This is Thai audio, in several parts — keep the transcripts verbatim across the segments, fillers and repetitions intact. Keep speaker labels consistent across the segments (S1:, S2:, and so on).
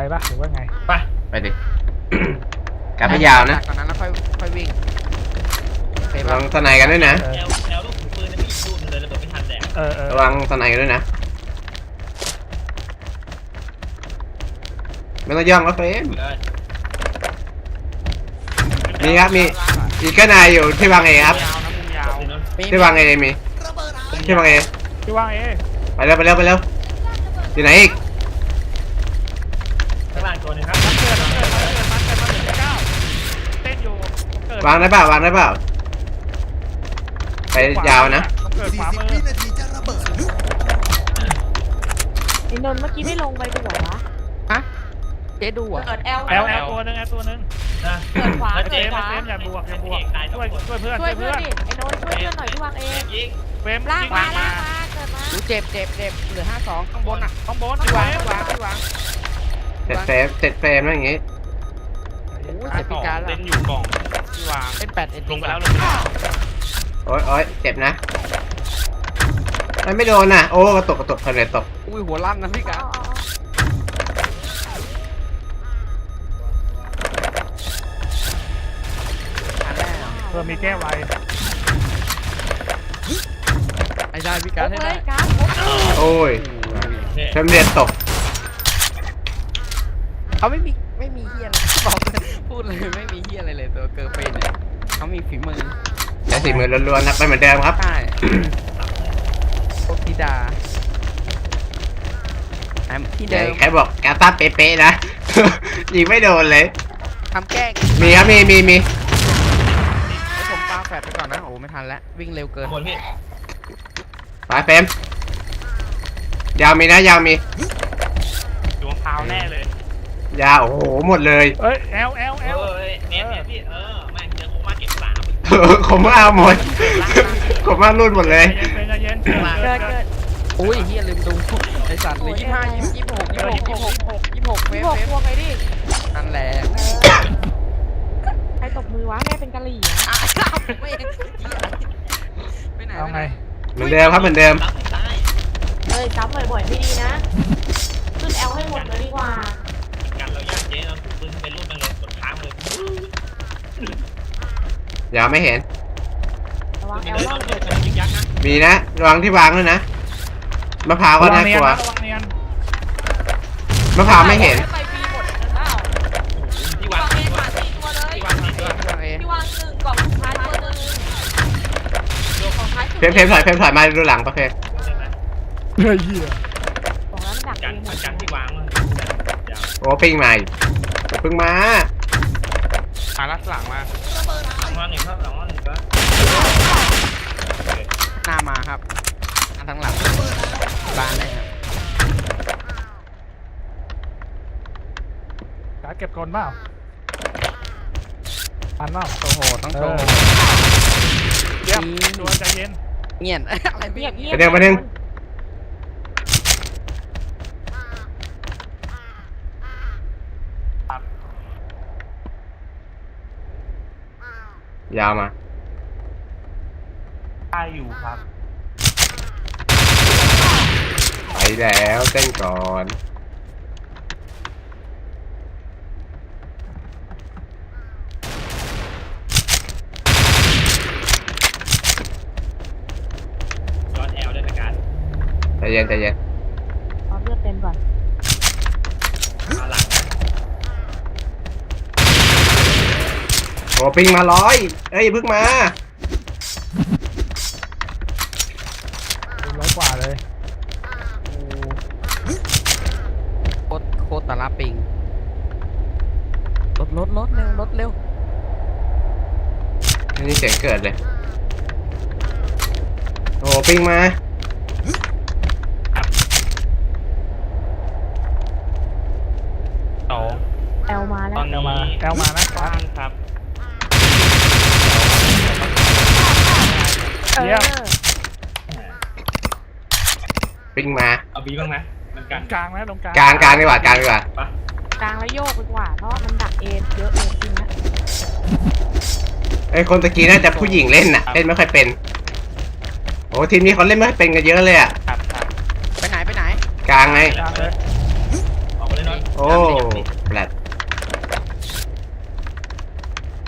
S1: ปะหรือว่าไง
S2: ไป
S3: ไปดิกลับไปยาวนะ
S4: ตอนนั้นแล้วค่อยค่อยวิ่ง
S3: ระวังสไนกันด้วยนะ
S2: แอลแอลลูกถือปืนนะพี่รูดเลยระเบิดไม่ทันแดก
S1: เออเออ
S3: ระวังสไนกันด้วยนะไม่ต้องย่องแล้วเฟนมีครับมีอีกก็นายอยู่ที่วางเอครับที่วางเอมีที่วางเอ
S1: ที่วางเอ
S3: ไปเร็วไปเร็วไปเร็วอยู่ไหนอีก
S2: ข้างล่างตัวนึงครับ
S1: มันเกิดมันเกิดมันเกิดมันเกิดมันเกิดเก้าเต้นอยู่
S3: วางได้เปล่าวางได้เปล่าไปยาวนะ
S1: เกิดขวามือ
S5: ไอ้นนท์เมื่อกี้ไม่ลงไปดูเหรอวะ
S4: ฮะเจ๊ดูอ่ะ
S5: เกิดแอล
S1: แอลแอลตัวนึงแอลตัวนึง
S5: เกิดขวา
S1: เจมส์เจมส์อย่าบวกอย่าบวกช่วยช่วยเพื่อน
S5: ช่วยเพื่อนดิไอ้นนท์ช่วยเพื่อนหน่อยที่วางเอง
S1: เฟรม
S5: ล่างมาล่างมาเกิดมา
S4: ดูเจ็บเจ็บเจ็บเหลือห้าสองข้างบนอ่ะ
S1: ข้างบน
S4: ที่วางที่วางที่วาง
S3: เสร็จเฟรมเสร็จเฟรมแล้วอย่างงี้
S4: โอ้ยเสร็จพิการแล้ว
S2: เล่นอยู่กล่อง
S4: ที่วางเป็นแปดเอ็ด
S2: ลงไปแล้วลงไปแล้ว
S3: โอ้ยโอ้ยเจ็บนะมันไม่โดนน่ะโอ้กระตกกระตกเพลินตก
S4: อุ้ยหัวลั่นนะพี่การ
S1: เพื่อมีแก้ไว
S4: ไอ้ได้พี่การให้ได้
S3: โอ้ยเทมเรียนตก
S4: เขาไม่มีไม่มีเฮียอะไรบอกเลยพูดเลยไม่มีเฮียอะไรเลยตัวเกิร์ลเฟนเนี่ยเขามีฝีมือ
S3: ใช้ฝีมือล้วนๆนะไปเหมือนเดิมครับ
S4: ใช่โคธิดาที่เดิม
S3: ใครบอกกาตาเป๊ะๆนะยิงไม่โดนเลย
S4: ทำแกล้ง
S3: มีครับมีมีมี
S4: ให้ผมปาแฟดไปก่อนนะโอ้ไม่ทันแล้ววิ่งเร็วเกิน
S2: คนพี่
S3: ไปเฟรมยาวมีนะยาวมี
S2: ดวงพาวแน่เลย
S3: ยาวโอ้โหหมดเลย
S1: เอ้ยแอลแอลแอล
S2: เออเนี่ยเนี่ยพี่เออแม่งเจอโคม่าเก็บสาม
S3: ผมเอาหมดผมมารุ่นหมดเลย
S1: เย็นเย็น
S5: เกิดเกิด
S4: อุ้ยเฮียลืมดูไอสัตว์เลยยี่ห้ายี่ยี่หกยี่หกยี่หกยี่หกเฟ
S5: พี่
S4: ฟ
S5: บอก
S4: เฟฟ
S5: พวงไงดิ
S4: นั่นแหละ
S5: ใครตบมือวะแม่เป็นกะหรี่
S4: ไม่ไหน
S1: เอาไง
S3: เหมือนเดิมครับเหมือนเดิม
S5: เฮ้ยซ้ำบ่อยๆไม่ดีนะขึ้นแอลให้หมดเลยดีกว่า
S2: กันเรายากเจ๊เราถูกปืนเป็นรูปมันเลยกดค้างเลย
S3: ยาวไม่เห็น
S5: ระวังแอลล่างเกิด
S2: ยิงยักษ์นะ
S3: มีนะระวังที่วางด้วยนะมะพร้าวก็น่ากลัวมะพร้าวไม่เห็น
S5: ไปฟรีหมดกันเปล่า
S2: ที่วาง
S5: เองมาสี่ตัวเลยที่วางสี่ตัวที่วางหนึ่งกล่องสุดท้ายตัวหนึ่งของท้ายสุด
S3: เพมเพมถอยเพมถอยมาดูหลังปะเพม
S1: เฮ้ยเหี้ย
S5: ของนั้นดัก
S2: กันกันที่วาง
S3: โอ้ปิ้งมาเพิ่งมา
S4: หาลัดหลังมา
S2: หลังว่าหนึ่งครับหลังว่าหนึ่งก็
S4: หน้ามาครับอันทั้งหลังบ้านเลยครับ
S1: การเก็บก่อนเปล่าปันเปล่า
S4: โอ้โหต้องโชว์
S1: เยี่ยมตัวใจเย็น
S4: เงียบอะไรเงียบ
S3: เงียบเดี๋ยวมาหนึ่งยาวมา
S2: ได้อยู่ครับ
S3: ไปแล้วเต้นก่อน
S2: ย้อนแอลได้ไหมการ
S3: ใจเย็นใจเย็น
S5: เอาเลือดเต็มก่อน
S2: เอาหลัง
S3: โอ้ปิ้งมาร้อยเอ้ยพึ่งมา
S1: ร้อยกว่าเลย
S4: โคตรโคตรตาลาปิงรถรถรถเร็วรถเร็ว
S3: นี่เสียงเกิดเลยโอ้ปิ้งมา
S2: สอง
S5: แอลมาแล้ว
S2: ตอนนี้มา
S1: แอลมานะ
S2: บ้างครับ
S1: เยี่ยม
S3: ปิ้งมา
S2: เอาบีบ้างไหมมันกัน
S1: กลางนะตรงกลาง
S3: กลางกลางดีกว่ากลางดีกว่าก
S5: ลางแล้วโยกไปกว่าเพราะมันดักเอ็นเยอะเลยจริงนะ
S3: ไอ้คนตะกี้น่าจะผู้หญิงเล่นน่ะเล่นไม่ค่อยเป็นโอ้ทีมนี้เขาเล่นไม่ค่อยเป็นกันเยอะเลยอ่ะ
S4: ครับครับไปไหนไปไหน
S3: กลางไง
S2: ออกไปเลยน้อย
S3: โอ้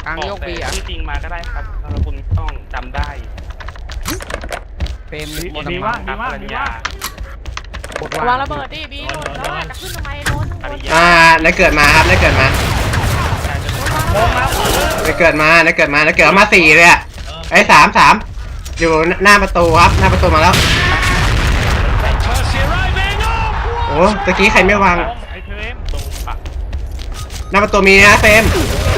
S4: กลางโยกบี
S1: แต่
S4: อ่ะ
S1: ที่จริงมาก็ได้ครับถ้าคุณต้องจำได้
S4: เฟรม
S1: ดี
S4: หมด
S1: ดี
S4: กำลั
S1: ว่าง
S4: ง
S1: ดีว่างดีว่าง
S4: กด
S5: วาง
S4: ว่าง
S5: ระเบิดดิบีโดนแล้วจะขึ้นทำไมโดน
S1: ปริยา
S3: อ่าได้เกิดมาครับได้เกิดมา
S1: โมงมา
S3: ได้เกิดมาได้เกิดมาได้เกิดมาสี่เลยอ่ะไอ้ยสามสามอยู่หน้าประตูครับหน้าประตูมาแล้วโอ้ตะกี้ใครไม่วาง
S1: ไอ้เทรมตรงปะ
S3: หน้าประตูมีนะเฟรม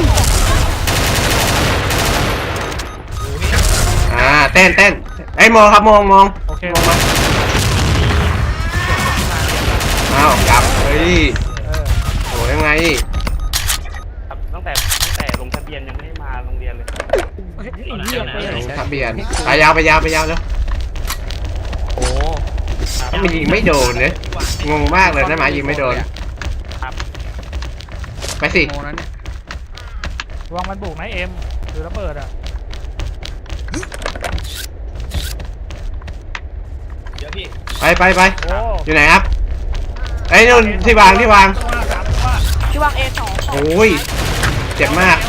S3: อ่าเต้นเต้นไอ้ยโมครับโมงโมง
S1: โอเค
S3: โมงมาอ้าวกลับเฮ้ย
S1: เออ
S3: โอ้ยังไง
S1: ครับตั้งแต่ตั้งแต่ลงทะเบียนยังไม่ได้มาโรงเรียนเลย
S3: ทะเบียนไปยาวไปยาวไปยาวแล้ว
S4: โอ้
S3: มันยิงไม่โดนเนี่ยงงมากเลยนะหมายิงไม่โดนไปสิ
S4: โมนั้นเนี่ยว
S1: างมันบุกไหมเอ็มหรือระเบิดอ่ะ
S2: เดี๋ยวพี่
S3: ไปไปไป
S1: โอ้
S3: อยู่ไหนครับไอ้ยนู่นที่วางที่วาง
S1: ตัวสามตัว
S5: ที่วางเอสอง
S3: โอ้ยเจ็บมาก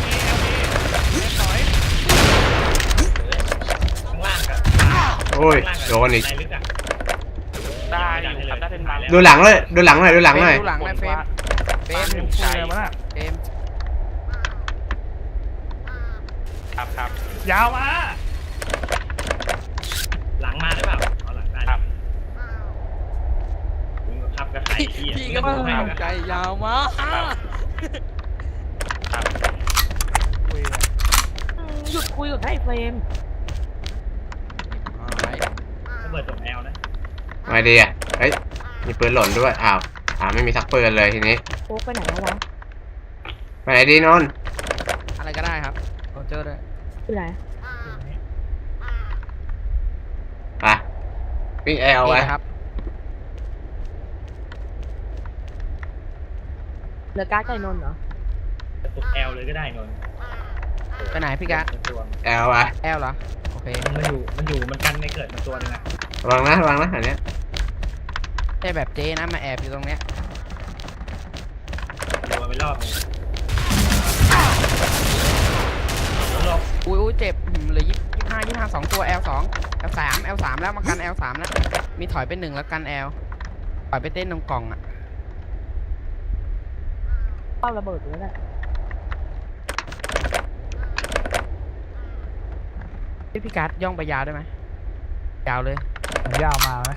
S2: ข้างล่างกับ
S3: โอ้ยโดนอีก
S2: ในลึกอ่ะ
S1: ได้อยู่ครับได้เป็นบาง
S3: ดูหลังเลยดูหลังหน่อยดูหลังหน่อย
S4: ดูหลังหน่อยเฟรมเฟรม
S1: ถึงใจมาละ
S4: เฟรม
S1: ครับครับยาวมา
S2: หลังมาได้เปล่าเอาหลังได้
S1: ครับ
S2: ครับกับไข่ที่
S4: พี่ก็พูดไม่เข้าใจยาวมาก
S1: ครับคุยกัน
S5: หยุดคุยกับไอ้เฟรม
S2: ระเบิดตกแอลนะ
S3: ไงดีอ่ะเฮ้ยมีปืนหล่นด้วยอ้าวอ้าวไม่มีสักปืนเลยทีนี้
S5: โอ้ไปไหนแล้ววะ
S3: ไปไหนดีนนท์
S4: อะไรก็ได้ครับโรเจอร์ด้วย
S5: ไปไหน
S3: ไปวิ่งแอลไว้
S4: นี่ครับ
S5: เหลือการ์ดไก่นนท์เหรอ
S2: ตกแอลเลยก็ได้นนท์
S4: ไปไหนพี่กะ
S2: ตัว
S3: แอลไป
S4: แอลเหรอโอเค
S2: มันอยู่มันอยู่มันกันไม่เกิดมันตัวนึงอ่ะ
S3: ระวังนะระวังนะอันเนี้ย
S4: ใช่แบบเจนะมาแอบอยู่ตรงเนี้ย
S2: ตัวไปรอบนึงรอบ
S4: อุ้ยอุ้ยเจ็บหืมเหลือยี่สิบห้ายี่สิบห้าสองตัว แอล สอง แอล สาม แอล สามแล้วมากัน แอล สามแล้วมีถอยไปหนึ่งแล้วกัน L ถอยไปเต้นตรงกล่องอ่ะ
S5: เป้าระเบิดอยู่แล้วแหละ
S4: พี่พี่การ์ดย่องไปยาวได้ไหมยาวเลย
S1: มันยาวมาไหม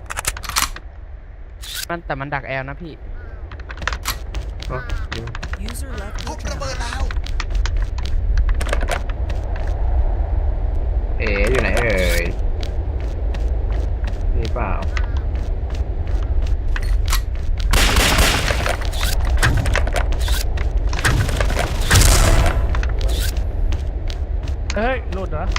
S4: มันแต่มันดัก L นะพี่
S3: โอ้เอ๋อยู่ไหนเอ่ยนี่เปล่า
S1: เฮ้ยหลุดเหรอ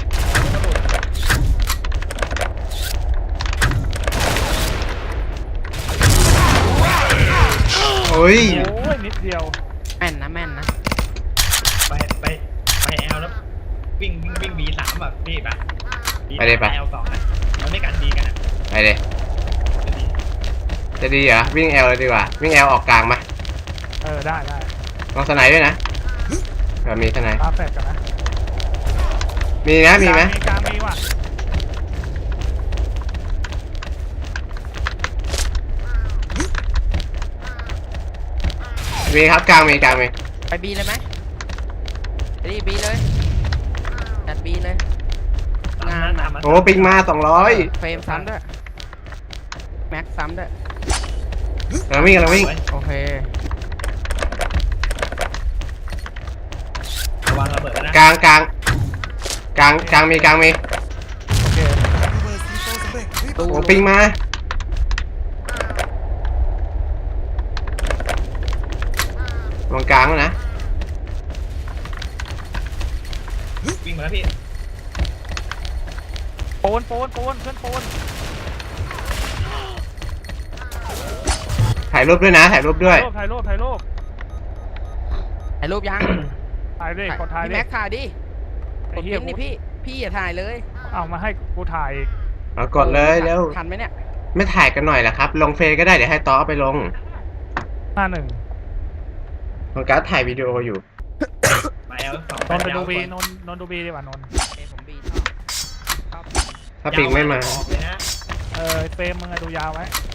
S3: โอ้ย
S1: โอ้ยนิดเดียว
S4: แม่นนะแม่นนะ
S2: ไปไปไปแอลแล้ววิ่งวิ่งวิ่งบีสามแบบพี่ปะ
S3: ไปเลยปะ
S2: แอลสองนะมันไม่กันดีกันอ่ะ
S3: ไปเลย
S2: จะดี
S3: จะดีเหรอวิ่งแอลเลยดีกว่าวิ่งแอลออกกลางมา
S1: เออได้ได้
S3: ลองสไนด์ด้วยนะเออมีสไนด์
S1: ตาแฝดกันนะ
S3: มีนะมีไหม
S1: กลางมีว่ะ
S3: มีครับกลางมีกลางมี
S4: ไปบีเลยไหมไปดิบีเลยจัดบีเลย
S2: ตามนั้นตามมัน
S3: โอ้ปิงมาสองร้อย
S4: เฟรมซ้ำด้วยแม็กซ้ำด้วย
S3: กำลังวิ่งกำลังวิ่ง
S4: โอเค
S2: ระวังระเบิดนะ
S3: กลางกลางกลางกลางมีกลางมี
S1: โอเค
S4: ตู
S3: โอ้ปิงมาลงกลางแล้วนะ
S2: วิ่งมาแล้วพี่
S1: โปนโปนโปนเพื่อนโปน
S3: ถ่ายรูปด้วยนะถ่ายรูปด้วย
S1: ถ่ายรูปถ่ายรูป
S4: ถ่ายรูปยัง
S1: ถ่ายดิกดถ่าย
S4: พี่
S1: ดิ
S4: แม็กถ่ายดิ
S1: ไอ้
S4: กด
S1: เหี้ย
S4: พิมพ์นี่พี่พี่อย่าถ่ายเลย
S1: เอามาให้กูถ่ายอีก
S3: เอากดเลยเร็ว
S4: ทันไหมเนี่ย
S3: ไม่ถ่ายกันหน่อยเหรอครับ ลงเฟซก็ได้เดี๋ยวให้ต๊อเอาไปลง
S1: ห้าหนึ่ง
S3: ของการดถ่ายวิดีโออยู่
S2: มาแอลสอง
S6: นท์ไปดูบีนนท์นนท์ดูบีดีกว่านนท์
S4: เอยผมบีชอบชอบ
S3: ถ้าปิงไม่มา
S2: ออกเลยนะ
S6: เออเฟรมมึงอะดูยาวไว้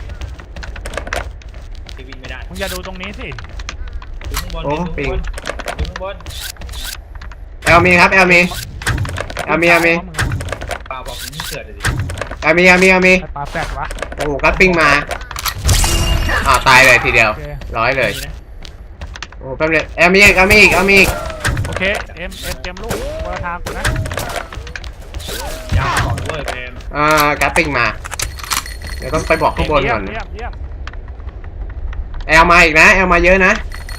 S2: พี่วิ่งไม่ได้
S6: มึงอย่าดูตรงนี้สิ
S2: ดูข้างบน
S3: โอ้
S2: ดู
S3: ปิ
S2: ข้าง งบนดูข้างบน
S3: แอลมีครับแอลมีแอลมีแอลมี
S2: เปล่าบอกผมนี่เกิดเลยดิ
S3: แอลมีแอลมีแอลมี
S6: ไอ้ปลาแฟดวะ
S3: โอ้โหกัดปิ้งมาอ่าวตายเลยทีเดียว
S6: โอเค
S3: ร้อยเลย
S2: นี่นะ
S3: โอ้แป๊บเดียวแอลมีอีกแอลมีอีกแอลมีอีก
S6: โอเคเอ็มเอ็มเตรียมลูกคนละทางกูนะ
S2: ยาวก่อนเว้ยเฟรม
S3: อ่ากัดปิ้งมา เดี๋ยวต้องไปบอกข้างบนก่อน
S6: เยี่ยมเยี่ยม
S3: แอลมาอีกนะแอลมาเยอะนะ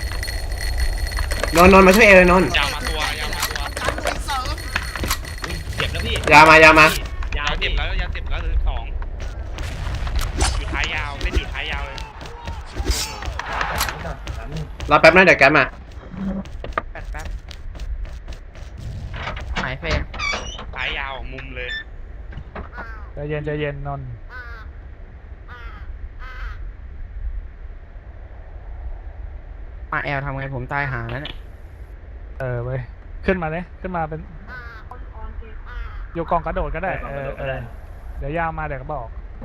S3: นนท์นนท์มาช่วยเอลเลยนนท์
S1: ยาวมาตัวยาวมาตัว
S2: อุ๊ยเจ็บแล้วพี่
S3: ยาวมายาวมา
S2: ยาย
S1: าว ว
S2: เจ็
S1: เจ็
S2: บบ
S1: แล้วยาวเจ็บแล้วเหลือสองอยู่ท้ายยาวเล่นอยู่ท้ายยาวเลย
S2: สามหนึ่ง
S3: รอแป๊บนะเดี๋ยวแกมา
S4: แป๊บแป๊บหายเฟรม
S1: ท้ายยาวมุมเลย
S6: ใจเย็นใจเย็นนนท์
S4: มาแอลทำไงผมตายหาแล้วเนี่ย
S6: เออเว้ยขึ้นมาเลยขึ้นมาเป็นอยู่กองกระโดดก็ได้เออเออเดี๋ยวยาวมาเดี๋ยวก็บอก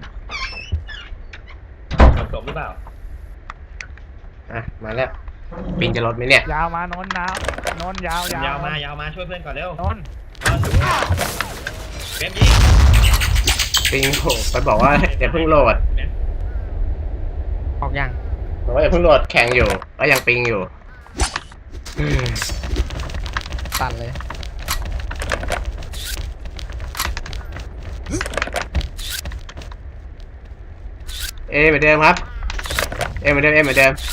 S2: จบหรือเปล่า
S3: อ่ะมาแล้วปิงจะลดไหมเนี่ย
S6: ยาวมานนท์นะนนท์ยาวยาวย
S2: าวมายาวมาช่วยเพื่อนก่อนเร็วน
S6: นท์
S2: เฟรมยิง
S3: ปิงโผล่ไปบอกว่าอย่าเพิ่งโหลด
S4: ออกยัง
S3: บอกว่าอย่าเพิ่งโหลดแข่งอยู่ก็ยังปิงอยู่อืม
S4: ตัดเลย
S3: เอเหมือนเดิมครับเอเหมือนเดิมเอเหมือนเดิม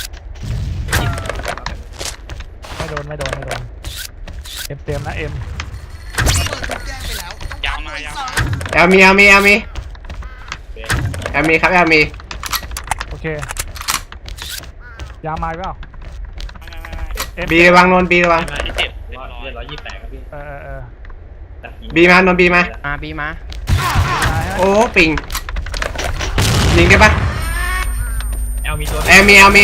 S6: ไม่โดนไม่โดนไม่โดนเอ็มเตรียมนะเอ็ม
S1: ยาวมายาวมา
S3: แอลมีแอลมีแอลมีแอลมีครับแอลมี
S6: โอเคยาวมาอีกเปล่าเอ็ม
S3: บีระวังนนท์บีระวัง
S2: มาที่เจ็บร้อยเรียบร้อยยี่สิบแปดครับพี่
S6: เออเออเออ
S2: ตัดยิง
S3: บีมานนท์บีมา
S4: มาบีมา
S6: มาให้
S3: โอ้ปิงยิงได้ปะ
S2: แอลมีตัว
S3: แอลมีแอลมี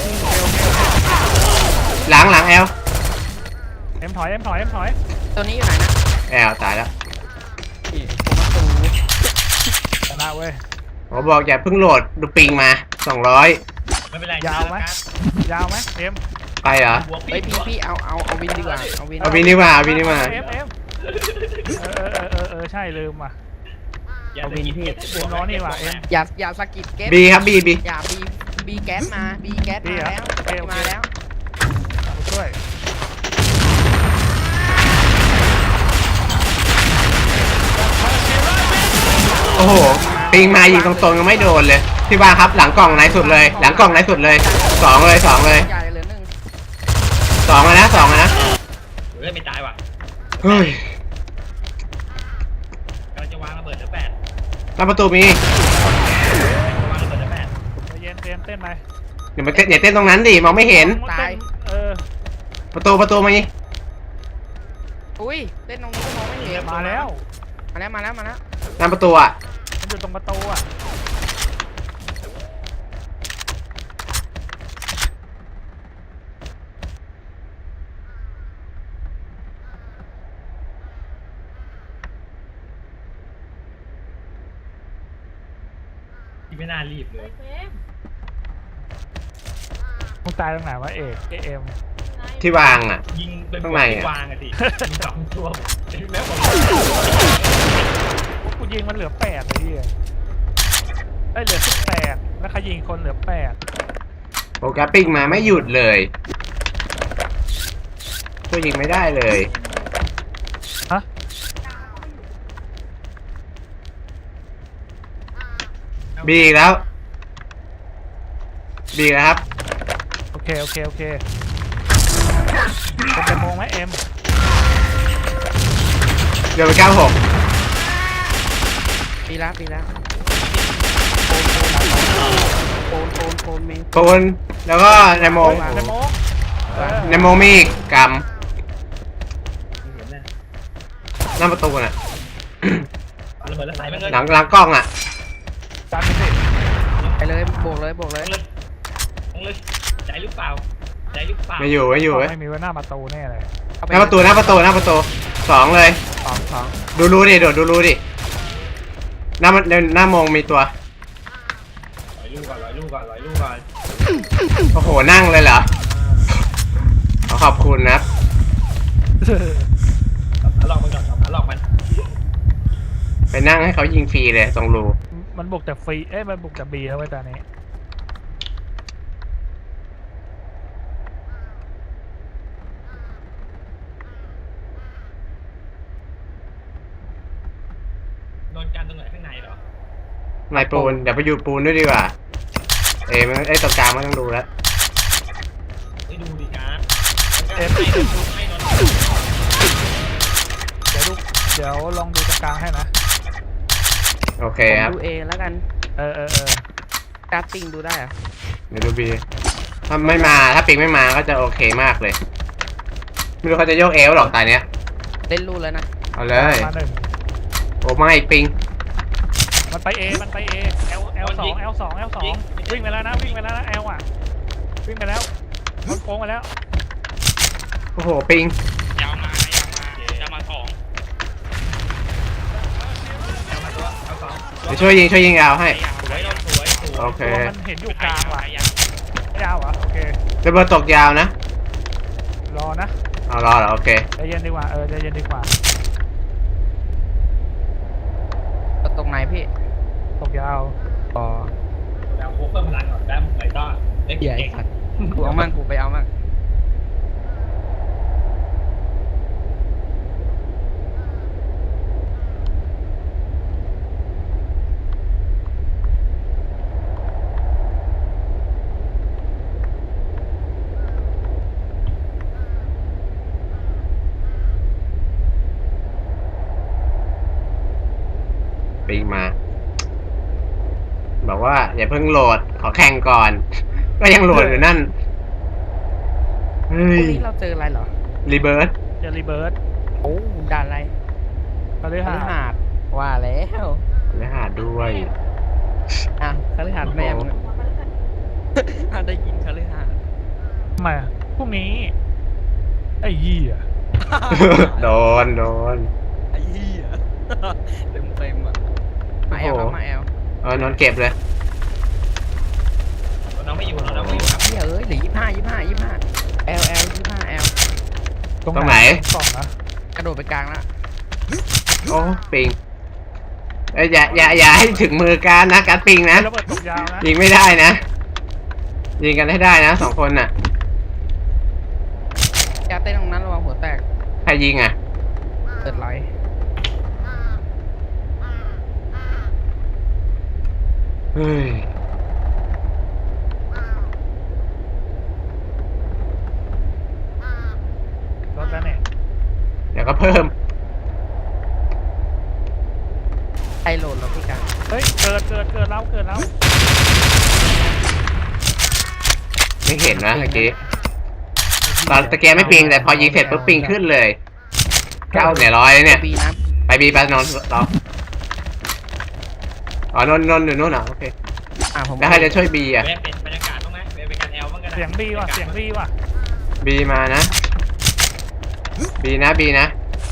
S3: หลังหลังแอล
S6: เอ็มถอยเอ็มถอยเอ็มถอย
S4: ตัวนี้อยู่ไหนนะ
S3: แอลตายแล้ว
S4: นี่ผมประตู
S6: ชนะเว้ย
S3: ผมบอกอย่าเพิ่งโหลดดูปิงมาสองร้อย
S2: ไม่เป็นไร
S6: ยาวไหม ยาวไหมเอ็ม
S3: ไปเหรอ
S2: บวก
S4: เฮ้ยพี่พี่เอาเอาเอาวินดีกว่าเอาวิน
S3: เอาวินนี่มาเอาวินนี่มา
S6: เอ็มเอ็มเออเออเออเออใช่ลืมว่ะ
S2: เอาวินพี่
S6: เอ็มน้อยนี่ว่ะเอ็ม
S4: อย่าอย่าสะกิดเก็ต
S3: บีครับบีบี
S4: อย่าบีบีแก๊สมาบีแก๊ส
S6: บี
S4: มา
S6: เหรอ
S4: แล้ว
S6: โอเคโอเค
S4: มาแล้ว
S6: มาช่วย
S3: โอ้โหปิงมายิงตรงๆยังไม่โดนเลยพี่บ้าครับหลังกล่องไหนสุดเลย หลังกล่องไหนสุดเลยสองเลยสองเลย
S4: ใหญ่เหลือหนึ่ง
S3: สองเลยนะสองเลยนะ
S2: เฮ้ยไม่ตายว่ะ
S3: เฮ้ย
S2: กำลังจะวางระเบิดเหลือแปด
S3: หน้าประตูมี
S2: วางระเบิดเหลือแปด
S6: ใจเย็นเตรียมเต้นไป
S3: เดี๋ยวมาเต้นอย่าเต้นตรงนั้นดิมองไม่เห็น
S6: เต้นเออ
S3: ประตูประตูมานี่
S4: อุ้ยเล่นตรงนี้ก็มองไม่เห็น
S6: มาแล้ว
S4: มาแล้วมาแล้วมาแล้ว
S3: หน้าประตูอ่ะ
S6: มันอยู่ตรงประตูอ่ะ
S2: ที่ไม่น่ารีบเลย
S5: เฟรม
S6: มึงตายตรงไหนวะเอกเอ็ม
S3: ที่วางอ่ะ
S2: ยิงเป็น
S3: ข้างในอะ
S2: วางอะสิมีสองตัวแล้วผม
S6: กูยิงมันเหลือแปดเลยที่ได้เหลือสิบแปดแล้วเขายิงคนเหลือแปด
S3: โอ้แกปิ้งมาไม่หยุดเลยช่วยยิงไม่ได้เลย
S6: ฮะ
S3: บีอีกแล้วบีอีกแล้วครับ
S6: โอเคโอเคโอเคเป็นจะโมงไหมเอ็ม
S3: เดี๋ยวไปเก้าหก
S4: ปีละปีละโคนโคนโคนเมน
S3: โกนแล้วก็ในโมง
S6: ในโมงเออ
S3: ในโมงมีอีกก
S2: เห็นนะ
S3: ำหน้าประตูน่ะ
S2: เอาระเบิดแล้วใส่ไปเลย
S3: หลังหลังกล้องอ่ะ
S6: จัดไปสิ
S4: ไปเลยบวกเลยบวกเลย
S2: เลยต้องเลยใจหรือเปล่าใจหรือเปล่า
S3: ไม่อยู่ไม่อยู่เว้ย
S6: ไม่มีไว้หน้าประตูแน่เลย
S3: หน้าประตูหน้าประตูหน้าประตูสองเลย
S4: สองสอง
S3: ดูรูดิโดดดูรูดิหน้ามันหน้ามองมีตัว
S2: ร้อยลูกก่อนร้อยลูกก่อนร้อยลูกก่อน
S3: โอ้โหนั่งเลยเหรอขอขอบคุณนะครับ
S2: หลอกมันก่อนหลอกมัน
S3: ไปนั่งให้เขายิงฟรีเลยตรงรู
S6: มันบุกแต่ฟรีเอ้ยมันบุกแต่บีแล้วไว้ตอนนี้
S2: โดนกันตรงไหนข้างในเหรอ
S3: นายปูนเดี๋ยวไปอยู่ปูนด้วยดีกว่าเอ้มันไอ้ตรงกลางมันต้องดูแล้ว
S2: ไม่ดูดิการ์ด
S6: เอ็ม
S2: ไม่โดนไม่โดน
S6: เดี๋ยวดูเดี๋ยวลองดูตรงกลางให้นะ
S3: โอเค
S4: ผม
S3: ครับ
S4: ดูเอแล้วกัน
S6: เออเออเออ
S4: การ์ดติงดูได้เหรอะ
S3: เดี๋ยวดูบีถ้าไม่มาถ้าปิงไม่มาก็จะโอเคมากเลยไม่รู้เขาจะโยกเอวหรอกตายเนี้ย
S4: เล่นรูแล้วนะ
S3: เอาเลย
S6: มาหนึ่ง
S3: โอ้ไม่ปิง
S6: มันไปเอมันไปเอเอลเอลสองเอลสองเอลสองวิ่งไปแล้วนะวิ่งไปแล้วนะเอลอ่ะวิ่งไปแล้วมันโค้งไปแล้ว
S3: โอ้โหปิง
S1: ยาวมายาวมายาวมาสอง
S2: เอามาตัวเอาสอง
S3: เดี๋ยวช่วยยิงช่วยยิงยาวให้
S2: สวยโดนสวยสวย
S3: โอเค
S6: ตัวมันเห็นอยู่กลางว่ะ
S1: ยาว
S6: ไม่ยาวเหรอโอเค
S3: ระเบิดตกยาวนะ
S6: รอนะ
S3: เอารอเหรอโอเค
S6: ใจเย็นดีกว่าเออใจเย็นดีกว่า
S4: ตรงไหนพี่
S6: ตกยาว
S4: อ๋อ
S2: แล้วโคเพิ่มพลังก่อนได้หมดเลยก็ได้
S4: เหี้ยไอ้
S2: เก่ง
S4: สัตว์กูเอามั่งกูไปเอามั่ง
S3: ปิงมา บอกว่าอย่าเพิ่งโหลดขอแข่งก่อน ก็ยังโหลดอยู่นั่นเฮ้
S4: พรุ่
S3: ย
S4: งนี้เราเจออะไรเหรอ
S3: รีเบิร์ด
S6: เจอรีเบิร์ด
S4: โอ้ด่านอะไร
S6: คฤ
S4: คฤ
S6: หาสน์
S4: หาสน์ว่าแล้ว
S3: และหาด้วย
S4: อ่ะคฤหาสน์แม่มึงอ่ะได้ยินคฤหาสน์
S6: ทำไมอะพรุ่งนี้ไอ้ยี่อ่ะ
S3: โดนโดน
S4: ไอ้เหี้ยเต็มเต็มๆอ่ะมาแอลครับมาแอล
S3: เออนอนเก็บเลย
S2: น้องไม่อยู่น้องไม่อยู่ครับ
S4: เหี้ยเอ้ยเหลือยี่ห้ายี่ห้ายี่ห้าแอลแอลยี่ห้าแอล
S3: ตรงไหน
S6: กล่องนะ
S4: กระโดดไปกลางแล้ว
S3: โอ้ปิงเอ้ยอย่าอย่าอย่าให้ถึงมือการนะการปิงนะ
S6: ระเบิดตกยาวนะ
S3: ยิงไม่ได้นะ ยิงกันให้ได้นะสองคนน่ะ
S4: ยาเต้นตรงนั้นระวังหัวแตก
S3: ใครยิงอ่ะ
S4: เกิดไหล
S3: เฮ้ย
S6: รถแล้วเนี่ย
S3: เดี๋ยวก็เพิ่ม
S4: ไอโหลดแล้วพี่กัน
S6: เฮ้ยเกิดเกิดเกิดแล้วเกิดแล้ว
S3: ไม่เห็นนะเมื่อกี้ตอนตะเกียบไม่ปิงแต่พอยิงเสร็จปุ๊บปิงขึ้นเลยเก้าเนี่ยร้อยเลยเนี่ย
S4: บีนะ
S3: ไปบีไปนอนรออ๋อนนนนอยู่นู่นเหรอโอเค
S4: อ่ะผม
S3: แล้วใครจะช่วยบีอ่ะ
S2: เวฟเป็นบรรยากาศบ้างไหมเวฟเป็นการแอลบ้างกัน
S6: เสียงดีว่ะเสียงดีว่ะ
S3: บีมานะบีนะบีนะ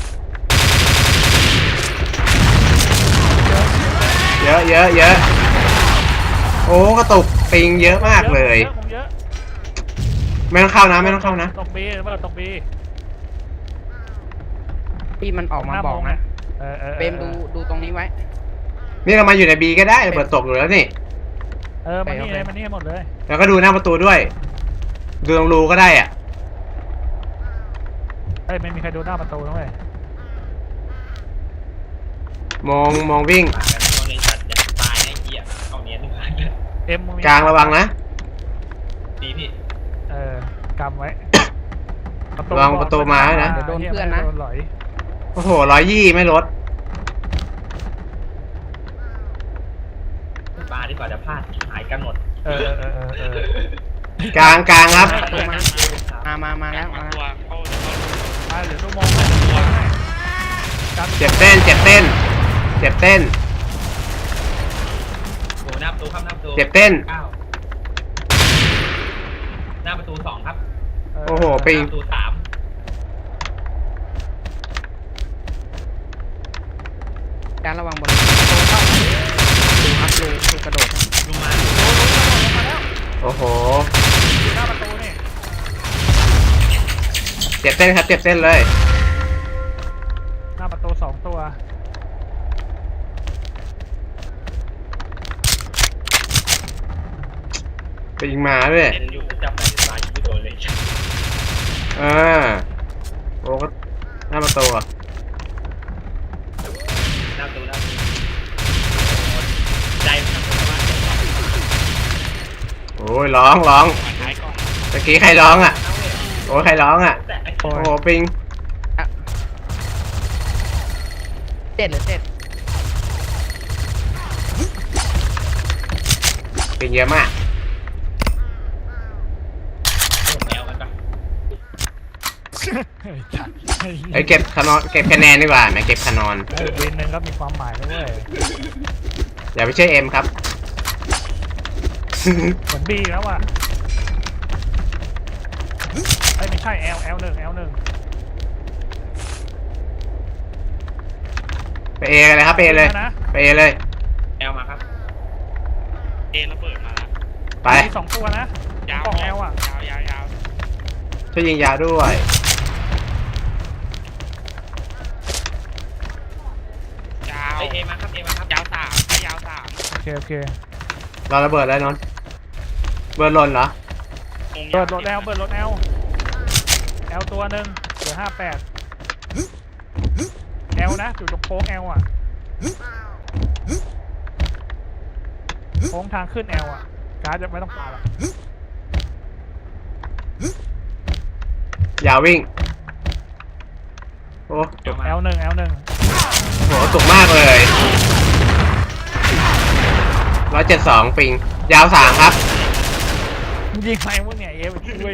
S3: เยอะเยอะเยอะโอ้กระตุกปิงเยอะมากเลย
S6: เยอะผมเยอะ
S3: ไม่ต้องเข้านะไม่ต้องเข้านะ
S6: ตกบีระเบิดตกบี
S4: พี่มันออกมาบอกนะ
S6: เออเออ
S4: เบมดูดูตรงนี้ไว้
S3: นี่เรามาอยู่ในบีก็ได้ระเบิดตกอยู่แล้วนี่
S6: เออมันนี่เลยมันนี่หมดเลย
S3: แล้วก็ดูหน้าประตูด้วย ดูตรงรูก็ได้อ่ะ
S6: เอ้ยไม่มีใครดูหน้าประตูนะเว้ย
S3: มองมองวิ่ง
S2: ป่ากันโดนในสัตว์จะตายไอ้เหี้ยเอาเนี้ยทุกครั้งเลย
S6: เอ็มมึมี
S3: กลางระวังนะ
S2: ดีพี่
S6: เออกำไว้
S3: ระวังประตูมาให้นะ
S4: เดี๋ยวโดนเพื่อนนะ
S6: โดนหลอย
S3: โอ้โหร้อยยี่ไม่ลด
S2: ปลาดีกว่าจะพลาดหายกันหมด
S6: เออเออเออเออก
S3: ลางกลางครับ
S4: ประตูมามามามาแล้วมาแล้ว
S1: ตัวเข้า
S6: อ่ะเดี๋ยวชั่วโมงตัวกัน
S3: เจ็บเต้น เจ็บเต้น เจ็บเต้น
S2: โอ้หน้าประตูครับหน้าประตู
S3: เจ็บเต้น
S2: เก้าหน้าประตูสองครับ
S3: โอ้โหปิง
S2: หน้าประตูสาม
S4: การระวังบนดูครับดูดูกระโดด
S2: ลงมา
S3: โอ้โห
S6: อยู่หน้าประตูนี่
S3: เจ็บเส้นครับเจ็บเส้นเลย
S6: หน้าประตูสองตัว
S3: ไปยิงหมาด้วย
S2: เล่นอยู่จับไปตายไม่โดนเลย
S3: อ่าโอ้ก็หน้าประตูอ่ะ
S2: หน้าประตูหน้าประตูใจมันทำมา
S3: โอ้ยร้องร้อง
S1: ขวาท้ายกล้อง
S3: ตะกี้ใครร้องอ่ะโอ้ยใครร้องอ่ะ
S2: แต่
S3: โอ้โหปิง
S4: เจ็ดหรือเจ็ด
S3: ปิงเยอะมาก
S2: แอลกันปะ
S6: เฮ้ยจัดเฮ้ย
S3: ไอ้ยเก็บคะแนนเก็บคะแนนดีกว่าแหม่เก็บคะแนน
S6: เออวินหนึ่งก็มีความหมายนะเว้ย
S3: อย่าไปเชื่อเอ็มครับ
S6: เหมือนบีแล้วอ่ะไอ้ยไม่ใช่ L L หนึ่ง L หนึ่ง
S3: ไปเอกันเลยครับไปเอเลย
S6: นะ
S3: ไปเอเลย
S2: แอลมาครับ
S1: เอระเบิดมาแล้ว
S3: ไป
S6: มีสองตัวนะ
S1: ยาว
S6: กล่อง L อ่ะ
S1: ยาวยาวยาว
S3: ช่วยยิงยาวด้วย
S1: ยาว
S2: เอเอมาครับเอมาครับ
S1: ยาวสามให้ยาวสาม
S6: โอเคโอเค
S3: รอระเบิดแล้วนนท์เบิร์ดหล่นเหรอ
S1: มุม
S6: เปิ
S1: ยา
S6: ด
S1: ว
S6: รถ L เปิดรถ L L ตัวหนึ่งเหลือห้าแปด L นะอยู่ตรงโค้ง L อ่ะโค้งทางขึ้น L อ่ะการ์ดจะไม่ต้องปาหรอก
S3: ยาววิ่งโอ้
S2: เดี๋ยวมา
S6: L หนึ่ง L หนึ่ง
S3: โหสุกมากเลยร้อยเจ็ดสองปิง ยาวสามครับ
S6: ยิงไปพวกเนี่ยเอฟช่วย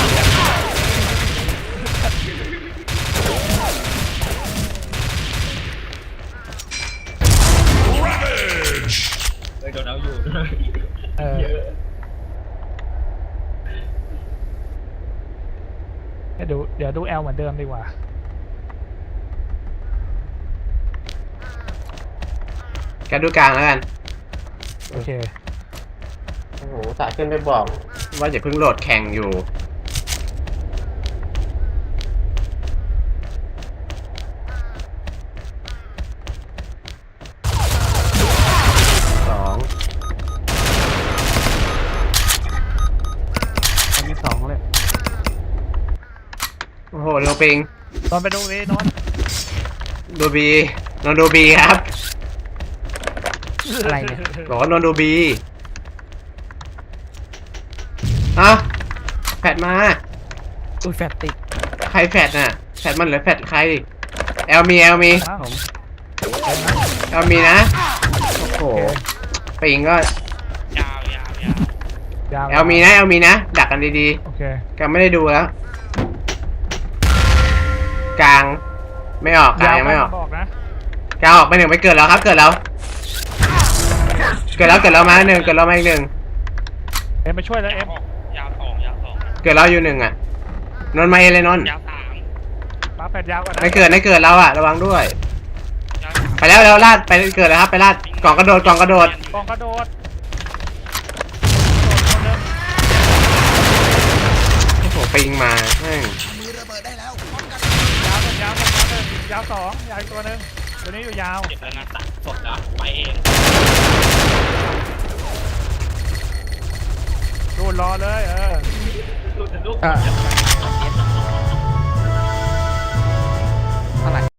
S2: เลยโดนเอาอยู่
S6: เออ
S2: เยอะ
S6: ให้ดูเดี๋ยวดู L เหมือนเดิมดีกว่า
S3: แกดูกลางแล้วกัน
S6: โอเค
S3: โอ้โหสายขึ้นไปบอก ว่าอย่าเพิ่งโหลดแข่งอยู่ สอง
S4: มันมีสองเลย
S3: โอ้โหโนปิง
S6: ตอนไปดูเอนอน
S3: ดูบีนนดูบีครับ
S4: อะไรเนี่ย
S3: บอกว่านนดูบีเอ้าแฟดมา
S4: อุ้ยแฟตติด
S3: ใครแฟดน่ะ แฟดมันหรือแฟดใคร แอลมีแอลมี
S6: ครับ
S4: ผม
S3: แอลมีนะ โอ้โห ปิงก็
S1: ยาวยาวยาวย
S6: าว
S3: แอลมีนะ แอลมีนะ ดักกันดี
S6: โอเค
S3: ๆกันไม่ได้ดูแล้ว กลาง ไม่ออก กลางยังไม่ออก
S6: บอกนะ
S3: กลางออกไปหนึ่งไปเกิดแล้วครับ เกิดแล้ว เกิดแล้ว เกิดแล้วมาหนึ่งเกิดแล้วมาอีกหนึ่ง
S6: เอ็มไปช่วยแล้วเอ็ม
S1: ยาวสองยาวสอง
S3: เกิดแล้วอยู่หนึ่งอ่ะ นนท์มาเอเลยนนท์
S1: ยาวสาม
S6: มาแปดยาวก่อนนะ
S3: ไม่เกิดไม่เกิดแล้วอ่ะ ระวังด้วย
S1: ยาวสาม
S3: ไปแล้วแล้วลาดไปเกิดแล้วครับไปลาดกล่องกระโดดกล่องกระโดด
S6: กองกระโดดโดดคนหนึ่ง
S3: โอ้โหปิงมาแม่ง
S6: ยาวหนึ่งยาวหนึ่งยาวหนึ่งยาวสองยาวอีกตัวหนึ่งตัวนี้อยู่ยาว
S2: เจ็บแล้วนะตัดสดแล้วไปเอง
S6: ดูดรอเลยเออ
S2: ลูกลูก
S4: อ่ะ